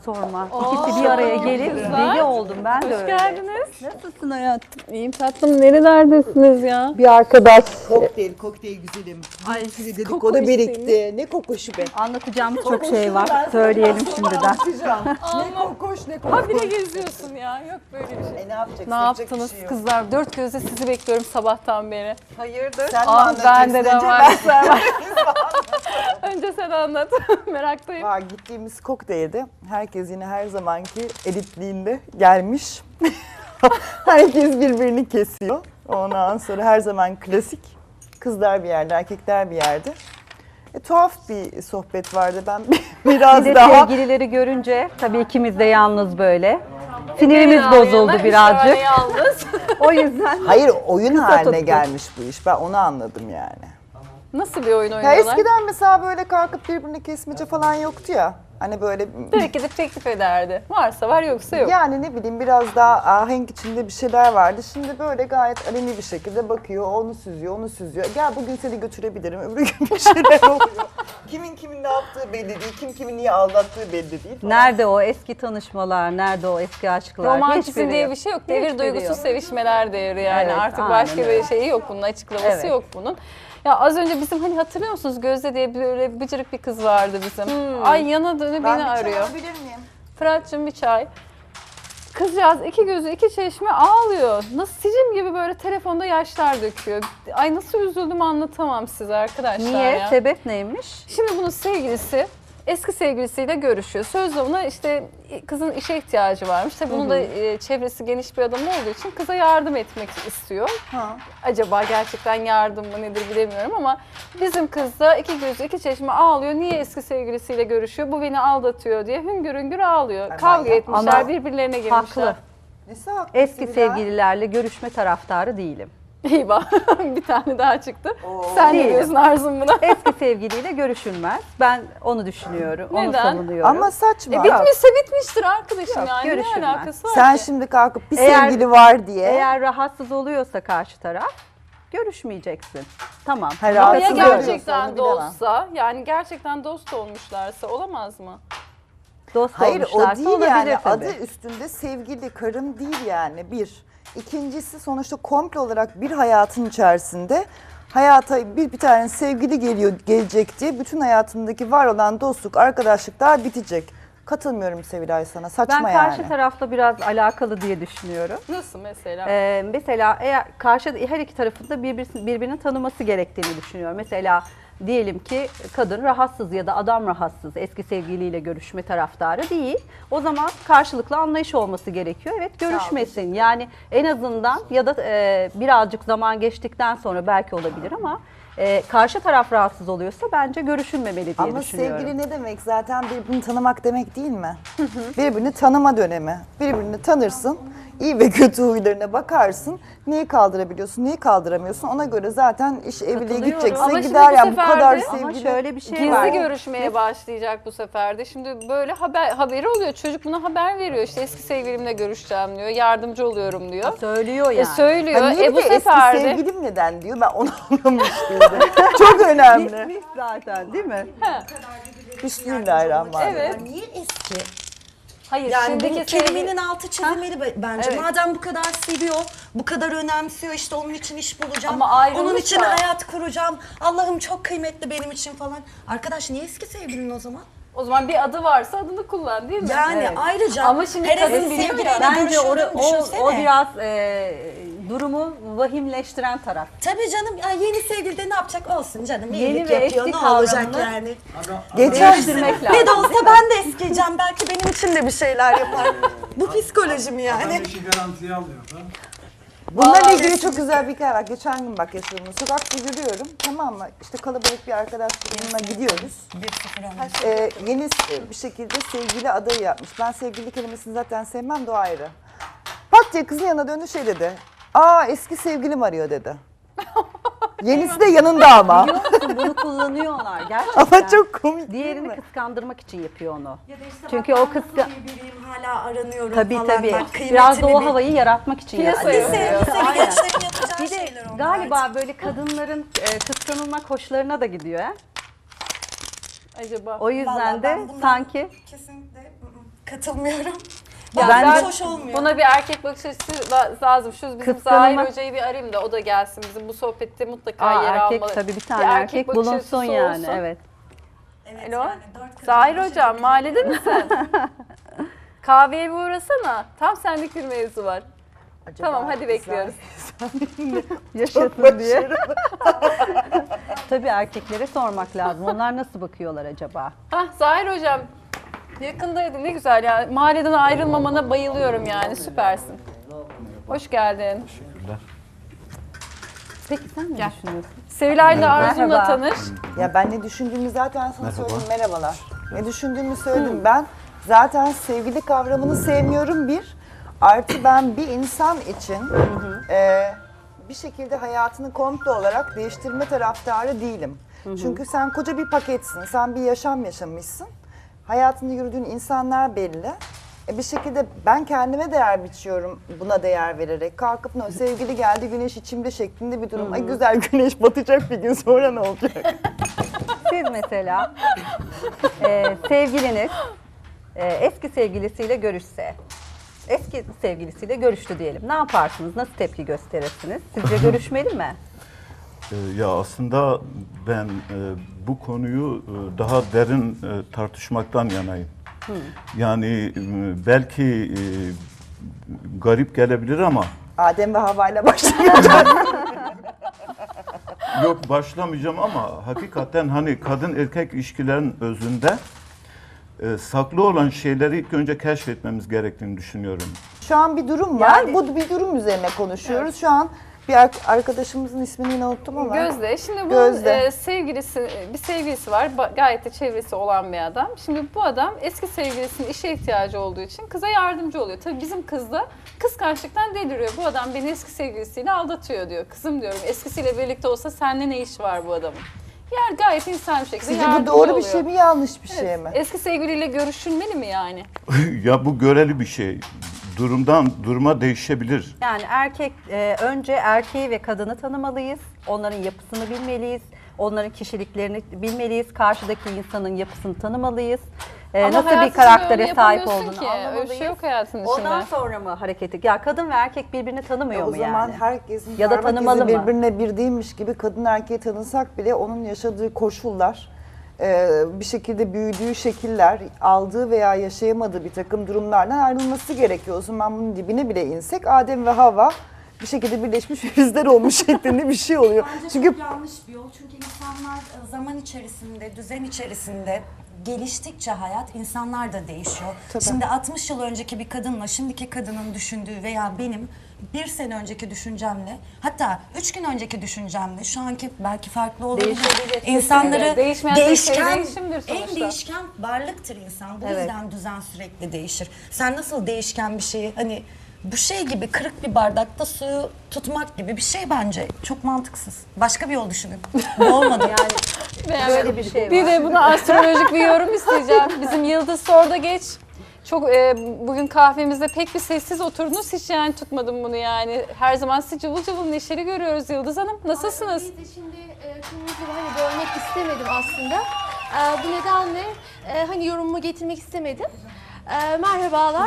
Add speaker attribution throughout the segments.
Speaker 1: Sorma. İkisi bir araya gelip deli oldum. Ben de
Speaker 2: Hoş
Speaker 1: öyle.
Speaker 2: geldiniz.
Speaker 1: Nasılsın hayatım?
Speaker 2: İyiyim tatlım. Nerelerdesiniz ya?
Speaker 1: Bir arkadaş.
Speaker 3: Kokteyl güzelim.
Speaker 2: Ay,
Speaker 3: Bir sürü
Speaker 2: koku
Speaker 3: dedikodu
Speaker 2: isteğiniz.
Speaker 3: birikti. Ne kokuşu be.
Speaker 1: Anlatacağım çok şey var. Söyleyelim şimdiden.
Speaker 3: Anlatacağım. Ne kokuş ne kokuş.
Speaker 2: Habire geziyorsun ya. Yok böyle bir şey.
Speaker 3: Ne yapacaksın?
Speaker 2: Ne yaptınız kızlar? Dört gözle sizi bekliyorum sabahtan beri.
Speaker 1: Hayırdır?
Speaker 3: Sen mi
Speaker 2: Ah
Speaker 3: anlatacaksın?
Speaker 2: bende de
Speaker 3: Önce
Speaker 2: var. Önce sen anlat. Meraktayım.
Speaker 3: Var gittiğimiz kokteylde herkes yine her zamanki elitliğinde gelmiş. Herkes birbirini kesiyor. Ondan sonra her zaman klasik. Kızlar bir yerde, erkekler bir yerde. Tuhaf bir sohbet vardı. Ben biraz
Speaker 1: Bir de
Speaker 3: daha...
Speaker 1: sevgilileri görünce tabii ikimiz de yalnız böyle. Sinirimiz
Speaker 2: Yana
Speaker 1: bozuldu
Speaker 2: yana,
Speaker 1: birazcık.
Speaker 2: üç tane yalnız.
Speaker 1: O yüzden
Speaker 3: Hayır, oyun haline
Speaker 1: tuttuk.
Speaker 3: gelmiş bu iş. Ben onu anladım yani.
Speaker 2: Nasıl bir oyun
Speaker 3: Ya
Speaker 2: oynuyorlar?
Speaker 3: eskiden mesela böyle kalkıp birbirini kesmece falan yoktu ya. Hani böyle
Speaker 2: Direkt gidip teklif ederdi. Varsa var yoksa yok.
Speaker 3: yani ne bileyim biraz daha ahenk içinde bir şeyler vardı. Şimdi böyle gayet aleni bir şekilde bakıyor, onu süzüyor, onu süzüyor. Gel bugün seni götürebilirim, öbür gün bir şeyler oluyor. Kimin ne yaptığı belli değil, kim niye aldattığı belli değil. falan.
Speaker 1: nerede o eski tanışmalar, nerede o eski aşklar?
Speaker 2: Romantizm
Speaker 1: Hiçbiri
Speaker 2: diye
Speaker 1: yok.
Speaker 2: bir şey yok. Devir
Speaker 1: Hiçbiri
Speaker 2: duygusu
Speaker 1: yok.
Speaker 2: sevişmeler devri yani.
Speaker 1: Evet,
Speaker 2: Artık
Speaker 1: aynen
Speaker 2: başka
Speaker 1: öyle.
Speaker 2: bir şeyi yok bunun, açıklaması
Speaker 1: Evet.
Speaker 2: yok bunun. Ya az önce bizim hani hatırlıyor musunuz Gözde diye böyle bıcırık bir kız vardı bizim. Ay yana dönü
Speaker 3: Ben
Speaker 2: beni
Speaker 3: bir çay
Speaker 2: arıyor.
Speaker 3: alabilir miyim?
Speaker 2: Fırat'cığım bir çay. Kızcağız iki gözü iki çeşme ağlıyor. Nasıl sicim gibi böyle telefonda yaşlar döküyor. Ay nasıl üzüldüm anlatamam size arkadaşlar
Speaker 1: Niye?
Speaker 2: ya.
Speaker 1: Sebep neymiş?
Speaker 2: Şimdi bunun sevgilisi eski sevgilisiyle görüşüyor. Sözde ona işte kızın işe ihtiyacı varmış. Tabii bunun da çevresi geniş bir adam olduğu için kıza yardım etmek istiyor.
Speaker 3: Ha.
Speaker 2: Acaba gerçekten yardım mı nedir bilemiyorum ama bizim kız da iki gözü iki çeşme ağlıyor. Niye eski sevgilisiyle görüşüyor? Bu beni aldatıyor diye hüngür hüngür ağlıyor.
Speaker 3: Ay,
Speaker 2: Kavga
Speaker 3: manyak.
Speaker 2: etmişler,
Speaker 1: Ama
Speaker 2: birbirlerine girmişler.
Speaker 1: Haklı.
Speaker 3: Nesi haklı
Speaker 1: Eski
Speaker 3: Sibel?
Speaker 1: sevgililerle görüşme taraftarı değilim.
Speaker 2: İyi bak bir tane daha çıktı.
Speaker 3: Oo.
Speaker 2: Sen ne
Speaker 1: Değilim.
Speaker 2: diyorsun Arzum buna?
Speaker 1: Eski sevgiliyle görüşülmez. Ben onu düşünüyorum, onu
Speaker 2: Neden?
Speaker 1: savunuyorum.
Speaker 3: Ama saçma.
Speaker 2: Bitmişse bitmiştir arkadaşım
Speaker 1: Yok,
Speaker 2: yani. Ne
Speaker 1: görüşülmez.
Speaker 2: alakası var
Speaker 3: Sen
Speaker 2: ki?
Speaker 3: şimdi kalkıp bir
Speaker 1: Eğer-
Speaker 3: sevgili var diye.
Speaker 1: Eğer rahatsız oluyorsa karşı taraf görüşmeyeceksin. Tamam.
Speaker 3: Hayır,
Speaker 2: Ama ya
Speaker 3: rahatsız
Speaker 1: Katılıyorum.
Speaker 3: oluyorsa
Speaker 2: gerçekten
Speaker 3: onu bilemem.
Speaker 2: dostsa, yani gerçekten dost olmuşlarsa olamaz mı?
Speaker 1: Dost
Speaker 3: Hayır o
Speaker 1: olmuşlarsa
Speaker 3: değil
Speaker 1: olabilir
Speaker 3: yani
Speaker 1: tabii.
Speaker 3: adı üstünde sevgili karım değil yani bir. İkincisi sonuçta komple olarak bir hayatın içerisinde hayata bir tane sevgili gelecek diye bütün hayatındaki var olan dostluk, arkadaşlıklar bitecek. Katılmıyorum Sevilay sana saçma
Speaker 1: Ben
Speaker 3: yani.
Speaker 1: karşı tarafla biraz alakalı diye düşünüyorum.
Speaker 2: Nasıl mesela?
Speaker 1: Mesela eğer her iki tarafın da birbirini tanıması gerektiğini düşünüyorum. Mesela diyelim ki kadın rahatsız ya da adam rahatsız, eski sevgiliyle görüşme taraftarı değil. O zaman karşılıklı anlayış olması gerekiyor. Evet görüşmesin. Yani en azından ya da birazcık zaman geçtikten sonra belki olabilir ama karşı taraf rahatsız oluyorsa bence görüşülmemeli diye
Speaker 3: Ama
Speaker 1: düşünüyorum.
Speaker 3: sevgili ne demek? Zaten birbirini tanımak demek değil mi? Birbirini tanıma dönemi. Birbirini tanırsın, iyi ve kötü huylarına bakarsın. Neyi kaldırabiliyorsun, neyi kaldıramıyorsun. Ona göre zaten iş evliliğe
Speaker 1: Katılıyorum.
Speaker 3: gidecekse
Speaker 2: Ama şimdi
Speaker 3: gider
Speaker 2: bu
Speaker 3: yani bu
Speaker 2: sefer
Speaker 3: kadar
Speaker 2: de-
Speaker 1: Ama
Speaker 3: sevgili.
Speaker 1: şöyle bir şey
Speaker 2: Gizli
Speaker 1: var.
Speaker 2: görüşmeye başlayacak bu sefer de. Şimdi böyle haberi oluyor. Çocuk buna haber veriyor. İşte eski sevgilimle görüşeceğim diyor. Yardımcı oluyorum diyor.
Speaker 1: Söylüyor yani.
Speaker 2: Söylüyor.
Speaker 3: Ha, niye
Speaker 2: Bu
Speaker 3: bir de
Speaker 2: sefer
Speaker 3: eski
Speaker 2: de
Speaker 3: sevgilim neden diyor ben onu anlamış değilim. Çok önemli.
Speaker 1: Bitmiş zaten değil mi?
Speaker 3: Bismillahirrahmanirrahim.
Speaker 2: Evet.
Speaker 4: Niye eski?
Speaker 2: hayır
Speaker 4: Yani
Speaker 2: şimdiki
Speaker 4: bu kelimenin altı çizilmeli bence.
Speaker 2: Evet.
Speaker 4: Madem bu kadar seviyor, bu kadar önemsiyor, işte onun için iş bulacağım.
Speaker 2: Ama ayrılmış
Speaker 4: onun için
Speaker 2: da.
Speaker 4: hayat kuracağım. Allah'ım çok kıymetli benim için falan. Arkadaş niye eski sevgilin o zaman?
Speaker 2: o zaman bir adı varsa adını kullan değil mi?
Speaker 4: Yani
Speaker 1: Evet.
Speaker 4: ayrıca
Speaker 2: Ama şimdi
Speaker 4: her
Speaker 2: kadın
Speaker 4: eski
Speaker 2: biliyor
Speaker 4: sevgiliyle
Speaker 2: ya.
Speaker 1: Bence
Speaker 4: görüşüyordun,
Speaker 1: o
Speaker 4: düşünsene.
Speaker 1: biraz durumu vahimleştiren taraf.
Speaker 4: Tabii canım ya yeni sevgili de ne yapacak olsun canım.
Speaker 1: Yeni
Speaker 4: iyilik
Speaker 1: ve
Speaker 4: yapıyor,
Speaker 1: eski
Speaker 4: ne olacak
Speaker 1: kavramını-
Speaker 4: yani.
Speaker 3: Geçen
Speaker 1: Değiştirmek lazım.
Speaker 4: Ne de olsa ben de eskiyeceğim. Belki benim için de bir şeyler yapar. Bu psikoloji mi yani?
Speaker 5: İşi garantiye alıyor da.
Speaker 3: bunlarla ilgili çok güzel bir hikaye var. Geçen gün bak yaşadım. Sokakta yürüyorum tamam mı? İşte kalabalık bir arkadaş grubuna gidiyoruz. Yeni bir şekilde sevgili adayı yapmış. Ben sevgili kelimesini zaten sevmem de o ayrı. Pat diye kızın yanına döndü şey dedi. Aa eski sevgilim arıyor dedi. Yenisi de yanında ama.
Speaker 1: Biliyor musun bunu kullanıyorlar gerçekten.
Speaker 3: Ama çok komik değil
Speaker 1: Diğerini
Speaker 3: mi?
Speaker 1: kıskandırmak için yapıyor onu.
Speaker 4: Ya da işte
Speaker 1: Çünkü
Speaker 4: bak,
Speaker 1: o
Speaker 4: ben
Speaker 1: kıska-
Speaker 4: nasıl bir biriyim, hala aranıyorum
Speaker 1: Tabii
Speaker 4: falan.
Speaker 1: tabii.
Speaker 4: Bak,
Speaker 1: Biraz da
Speaker 4: kıymetimi
Speaker 1: o
Speaker 4: bil.
Speaker 1: havayı yaratmak için
Speaker 2: Piyasa
Speaker 1: yapıyor.
Speaker 2: yapıyor.
Speaker 4: Liseli
Speaker 1: Aynen.
Speaker 4: gençlerin yapacağı
Speaker 1: Bir de
Speaker 4: şeyler onlar
Speaker 1: galiba
Speaker 4: artık.
Speaker 1: böyle kadınların kıskanılmak hoşlarına da gidiyor. He?
Speaker 2: Acaba.
Speaker 1: O yüzden
Speaker 4: Vallahi
Speaker 1: de
Speaker 4: ben bundan
Speaker 1: sanki
Speaker 4: kesinlikle katılmıyorum.
Speaker 2: Ya
Speaker 1: Ben
Speaker 4: Bazen
Speaker 1: de-
Speaker 4: hoş olmuyor.
Speaker 2: Buna bir erkek bakış açısı lazım. Şu bizim
Speaker 1: Kıskanma-
Speaker 2: Zahir Hoca'yı bir arayayım da o da gelsin. Bizim bu sohbette mutlaka yer
Speaker 1: Erkek
Speaker 2: almalı.
Speaker 1: tabii bir
Speaker 2: Bir
Speaker 1: tane erkek
Speaker 2: bakış
Speaker 1: bulunsun
Speaker 2: açısı
Speaker 1: yani.
Speaker 2: olsun.
Speaker 1: Evet.
Speaker 4: Evet,
Speaker 2: Alo?
Speaker 4: yani 4 kadın
Speaker 2: Zahir
Speaker 4: başı
Speaker 2: Hocam
Speaker 4: çok
Speaker 2: mahallede misin? Kahveye bir uğrasana. Tam senlik bir mevzu var.
Speaker 3: Acaba
Speaker 2: Tamam hadi
Speaker 3: kızlar-
Speaker 2: bekliyoruz.
Speaker 1: Yaşasın diye. Tabii erkeklere sormak lazım. Onlar nasıl bakıyorlar acaba?
Speaker 2: Hah Zahir Hocam yakındaydı ne güzel ya. Mahalleden ayrılmamana bayılıyorum yani süpersin. Hoş geldin.
Speaker 1: Peki sen ne düşünüyorsun?
Speaker 2: Sevilay'la Arzu'yla
Speaker 1: Merhaba.
Speaker 2: tanış.
Speaker 3: Ya ben ne düşündüğümü zaten sana söyledim. Merhabalar. Ne düşündüğümü söyledim. Ben zaten sevgili kavramını sevmiyorum bir. Artı ben bir insan için bir şekilde hayatını komple olarak değiştirme taraftarı değilim. Çünkü sen koca bir paketsin. Sen bir yaşam yaşamışsın. Hayatında yürüdüğün insanlar belli. Bir şekilde ben kendime değer biçiyorum buna değer vererek. Kalkıp "No, sevgili geldi güneş içimde" şeklinde bir durum. Ay güzel, güneş batacak bir gün, sonra ne olacak?
Speaker 1: Siz mesela sevgiliniz eski sevgilisiyle görüşse, eski sevgilisiyle görüştü diyelim. Ne yaparsınız? Nasıl tepki gösterirsiniz? Sizce görüşmeli mi?
Speaker 5: Ya aslında ben bu konuyu daha derin tartışmaktan yanayım. Yani belki garip gelebilir ama
Speaker 3: Adem ve Havva ile başlayacağız.
Speaker 5: yok başlamayacağım ama hakikaten hani kadın erkek ilişkilerin özünde saklı olan şeyleri ilk önce keşfetmemiz gerektiğini düşünüyorum.
Speaker 3: Şu an bir durum var.
Speaker 1: Yani-
Speaker 3: Bu bir durum üzerine konuşuyoruz. Şu an bir arkadaşımızın ismini yine unuttum ama.
Speaker 2: Gözde. Şimdi bunun
Speaker 3: Gözde.
Speaker 2: bir sevgilisi var. Gayet de çevresi olan bir adam. Şimdi bu adam eski sevgilisinin işe ihtiyacı olduğu için kıza yardımcı oluyor. Tabii bizim kız da kıskançlıktan deliriyor. Bu adam beni eski sevgilisiyle aldatıyor diyor. Kızım diyorum eskisiyle birlikte olsa seninle ne iş var bu adamın? Yani gayet insan bir şekilde
Speaker 3: Sizce
Speaker 2: yardımcı
Speaker 3: bu doğru
Speaker 2: oluyor.
Speaker 3: bir şey mi, yanlış bir şey mi?
Speaker 2: Eski sevgiliyle görüşülmeli mi yani?
Speaker 5: Ya bu göreli bir şey. Durumdan duruma değişebilir.
Speaker 1: Yani önce erkeği ve kadını tanımalıyız. Onların yapısını bilmeliyiz. Onların kişiliklerini bilmeliyiz. Karşıdaki insanın yapısını tanımalıyız.
Speaker 2: Ama
Speaker 1: Nasıl
Speaker 2: hayat
Speaker 1: bir
Speaker 2: içinde öyle
Speaker 1: karaktere sahip
Speaker 2: yapamıyorsun
Speaker 1: olduğunu
Speaker 2: ki. Öyle bir
Speaker 1: anlamalıyız.
Speaker 2: şey yok hayatın
Speaker 1: Ondan
Speaker 2: içinde.
Speaker 1: sonra mı hareket Ya kadın ve erkek birbirini tanımıyor
Speaker 3: O
Speaker 1: mu
Speaker 3: zaman
Speaker 1: yani?
Speaker 3: herkesin
Speaker 1: Ya da
Speaker 3: parmak
Speaker 1: tanımalı
Speaker 3: izi
Speaker 1: mı?
Speaker 3: birbirine bir değilmiş gibi kadın erkeği tanısak bile onun yaşadığı koşullar, bir şekilde büyüdüğü şekiller, aldığı veya yaşayamadığı bir takım durumlardan ayrılması gerekiyor. O zaman bunun dibine bile insek Adem ve Havva bir şekilde birleşmiş filizler olmuş şeklinde bir şey oluyor.
Speaker 4: Bence
Speaker 3: Çünkü
Speaker 4: çok yanlış bir yol. Çünkü insanlar zaman içerisinde, düzen içerisinde geliştikçe hayat, insanlar da değişiyor. Şimdi 60 yıl önceki bir kadınla şimdiki kadının düşündüğü veya benim bir sene önceki düşüncemle, hatta 3 gün önceki düşüncemle şu anki belki farklı olabilir.
Speaker 1: Değişebilir.
Speaker 4: İnsanları
Speaker 2: Değişmeyen tek şey
Speaker 4: değişken,
Speaker 2: değişimdir sonuçta.
Speaker 4: en değişken varlıktır insan. Bu
Speaker 1: Evet.
Speaker 4: yüzden düzen sürekli değişir. Sen nasıl değişken bir şeyi, hani bu şey gibi kırık bir bardakta suyu tutmak gibi bir şey bence. Çok mantıksız. Başka bir yol düşünün. Bu olmadı.
Speaker 2: Yani
Speaker 1: Böyle bir şey
Speaker 2: Bir
Speaker 1: var.
Speaker 2: de buna astrolojik bir yorum isteyeceğim. Bizim Yıldız Sor'da geç. Çok bugün kahvemizde pek bir sessiz oturdunuz. Hiç yani tutmadım bunu yani. Her zaman sizi cıvıl cıvıl neşeli görüyoruz Yıldız Hanım. Nasılsınız?
Speaker 6: Biz de şimdi kırmızı hani görmek istemedim aslında. Bu nedenle hani yorumumu getirmek istemedim. Merhabalar.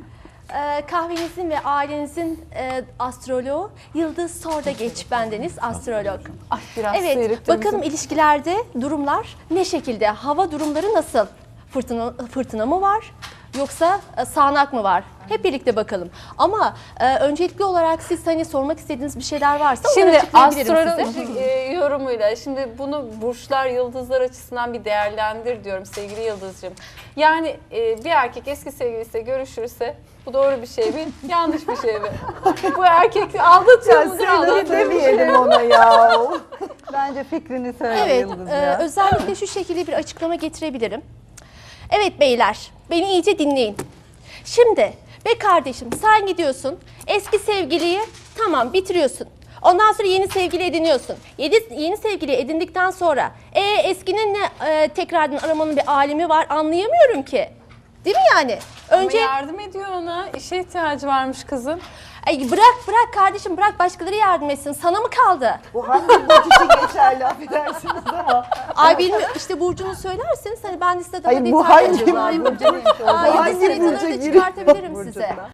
Speaker 6: Kahvenizin ve ailenizin astroloğu Yıldız Sordageç, bendeniz astrolog.
Speaker 2: Ay biraz
Speaker 6: Evet,
Speaker 2: seyrettim
Speaker 6: bakalım
Speaker 2: bizi.
Speaker 6: ilişkilerde durumlar ne şekilde? Hava durumları nasıl? Fırtına mı var? Yoksa sağanak mı var? Hep birlikte bakalım. Ama öncelikli olarak siz hani sormak istediğiniz bir şeyler varsa onları
Speaker 2: Şimdi
Speaker 6: açıklayabilirim size.
Speaker 2: astrolojik yorumuyla şimdi bunu burçlar, yıldızlar açısından bir değerlendir diyorum sevgili Yıldız'cığım. Yani bir erkek eski sevgilisiyle görüşürse bu doğru bir şey mi? Yanlış bir şey mi? Bu erkek aldatıyor mudur?
Speaker 3: Sinirli
Speaker 2: Aldatıyor mudur?
Speaker 3: demeyelim ona ya.
Speaker 1: Bence fikrini söyle
Speaker 6: Evet,
Speaker 1: Yıldız ya.
Speaker 6: özellikle şu şekilde bir açıklama getirebilirim. Evet beyler, beni iyice dinleyin. Şimdi, be kardeşim sen gidiyorsun, eski sevgiliyi tamam bitiriyorsun. Ondan sonra yeni sevgili ediniyorsun. Yeni sevgili edindikten sonra eskinin ne tekrardan aramanın bir alemi var anlayamıyorum ki. Değil mi yani? Önce
Speaker 2: Ama yardım ediyor ona. İşe ihtiyacı varmış kızın.
Speaker 6: Ay bırak kardeşim, bırak başkaları yardım etsin. Sana mı kaldı?
Speaker 3: Bu hangi burç için geçerli affedersiniz ama.
Speaker 6: Ay bilmiyorum, işte burcunu söylerseniz hani ben de size daha
Speaker 3: Hayır, bu
Speaker 6: detaylı
Speaker 3: hangi
Speaker 6: açıklayayım.
Speaker 3: burcu?
Speaker 6: Aa,
Speaker 3: hangi
Speaker 6: yıldız haritaları
Speaker 3: burca
Speaker 6: da
Speaker 3: giriyor?
Speaker 6: çıkartabilirim
Speaker 3: Burcuna.
Speaker 6: size.